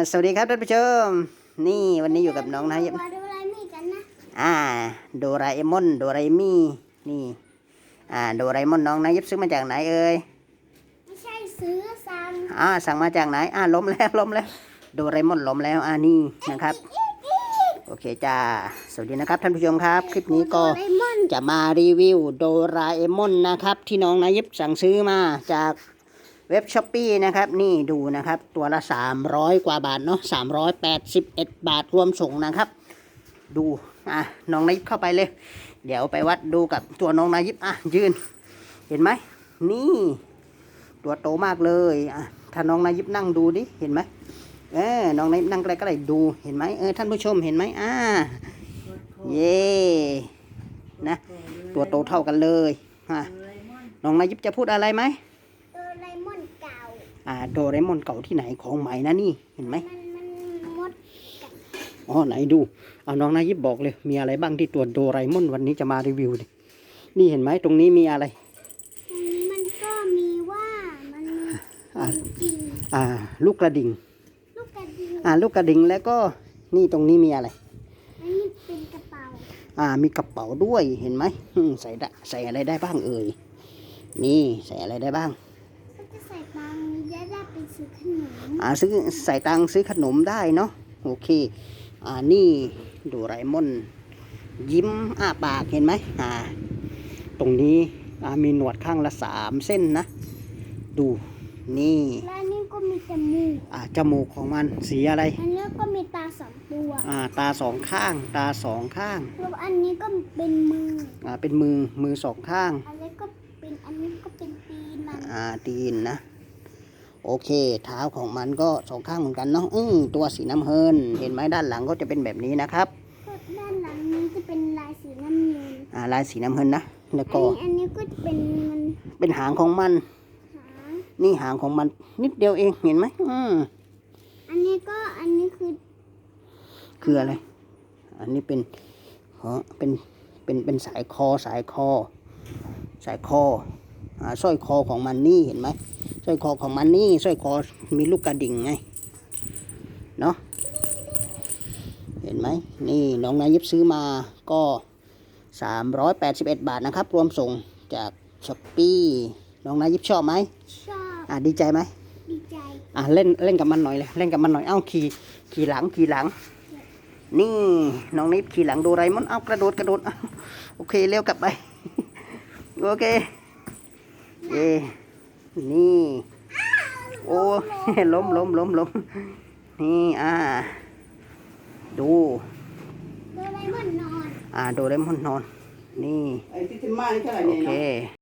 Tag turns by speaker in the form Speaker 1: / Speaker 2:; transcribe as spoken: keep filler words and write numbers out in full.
Speaker 1: สวัสดีครับท่านผู้ชมนี่วันนี้อยู่กับน้องนะ
Speaker 2: ดูอะไรมีกันนะ
Speaker 1: อ่าโดราเอมอนโดราเอมี่นี่อ่าโดราเอมอนน้องนะยิบซื้อมาจากไหนเอ่ย
Speaker 2: ไม่ใช่ซื้อสั่ง
Speaker 1: อ่าสั่งมาจากไหนอ่าล้มแล้วล้มแล้วโดราเอมอนล้มแล้วอ่านี่นะครับโอเคจ้าสวัสดีนะครับท่านผู้ชมครับคลิปนี้ก็จะมารีวิวโดราเอมอนนะครับที่น้องนะยิบสั่งซื้อมาจากเว็บช้อปปี้นะครับนี่ดูนะครับตัวละสามร้อยกว่าบาทเนาะสามร้อยแปดสิบเอ็ดบาทรวมส่งนะครับดูอ่ะน้องนายิบเข้าไปเลยเดี๋ยวไปวัดดูกับตัวน้องนายิบอ่ะยืนเห็นไหมนี่ตัวโตมากเลยอ่ะถ้าน้องนายิบนั่งดูดิเห็นไหมเออน้องนายิบนั่งใกล้ก็ได้ดูเห็นไหมเออท่านผู้ชมเห็นไหมอ่าเย่นะตัวโตเท่ากันเลยอ่ะน้องนายิบจะพูดอะไรไหม
Speaker 2: โดเรมอนเก่า
Speaker 1: อ่าโดเรมอนเก่าที่ไหนของใหม่นะนี่เห็นไหม
Speaker 2: มันมันมด
Speaker 1: อ๋อไหนดูเอาน้องนายิบบอกเลยมีอะไรบ้างที่ตัวโดเรมอนวันนี้จะมารีวิวดินี่เห็นไหมตรงนี้มีอะไร
Speaker 2: มันก็มีว่ามัน
Speaker 1: อ่า
Speaker 2: จริง
Speaker 1: อ่าลูกกระดิ่ง
Speaker 2: ลูกกระดิ่ง
Speaker 1: อ่าลูกกระดิ่งแล้วก็นี่ตรงนี้มีอะไร
Speaker 2: อันนี้เป็นกระเป๋า
Speaker 1: อ่ามีกระเป๋าด้วยเห็นไหมใส่ได้ใส่อะไรได้บ้างเอ่ยนี่ใส่อะไรได้บ้าง
Speaker 2: ก็จะใส่ตังค์จะได้ไปซื้อขนม
Speaker 1: อ่าซื้อใส่ตังค์ซื้อขนมได้เนาะโอเคอ่านี่โดราเอมอนยิ้มอ้าปากเห็นไหมอ่าตรงนี้อ่ามีหนวดข้างละสามเส้นนะดูนี่
Speaker 2: และนี่ก็มีจมูก
Speaker 1: อ่าจมูกของมันสีอะไร
Speaker 2: อันนี้ก็มีตาสองตัว
Speaker 1: อ่าตาสองข้างตาสองข้าง
Speaker 2: แล้วอันนี้ก็เป็นมือ
Speaker 1: อ่าเป็นมือมือสองข้าง
Speaker 2: อันนี้ก็เป็นอันนี้ก็เป็นตีนมัน
Speaker 1: อ่าตีนนะโอเคเท้าของมันก็สองข้างเหมือนกันเนาะอือตัวสีน้ำเงินเห็นไหมด้านหลังก็จะเป็นแบบนี้นะครับ
Speaker 2: ก็ด้านหลังนี้จะเป็นลายสีน้ำเงิน
Speaker 1: อ่าลายสีน้ำเงินนะแล้วก็
Speaker 2: อันนี้ก็จะเป็นมัน
Speaker 1: เป็นหางของมัน
Speaker 2: หาง
Speaker 1: นี่หางของมันนิดเดียวเองเห็นไหมอืม
Speaker 2: อันนี้ก็อันนี้คือ
Speaker 1: คืออะไรอันนี้เป็นเออเป็นเป็นเป็นสายคอสายคอสายคออ่าสร้อยคอของมันนี่เห็นไหมสร้อยคอของมันนี่สร้อยคอมีลูกกระดิ่งไงเนาะเห็นไหมนี่น้องนายิบซื้อมาก็สามร้อยแปดสิบเอ็ดบาทนะครับรวมส่งจากช้อปปี้น้องนายิบชอบไหม
Speaker 2: ชอบ
Speaker 1: อ่าดีใจไหม
Speaker 2: ดีใจ
Speaker 1: อ่าเล่นเล่นกับมันหน่อยเลยเล่นกับมันหน่อยเอ้าขี่ขี่หลังขี่หลังนี่น้องนิบขี่หลังโดราเอมอนเอ้ากระโดดกระโดดโอเคเร็วกลับไปโอเคเย่นี่โอ้ล้มล้มล้มล้มนี่อ่าดู
Speaker 2: โดเรมอนนอน
Speaker 1: อ่าโดเรมอนนอนนี่โอเค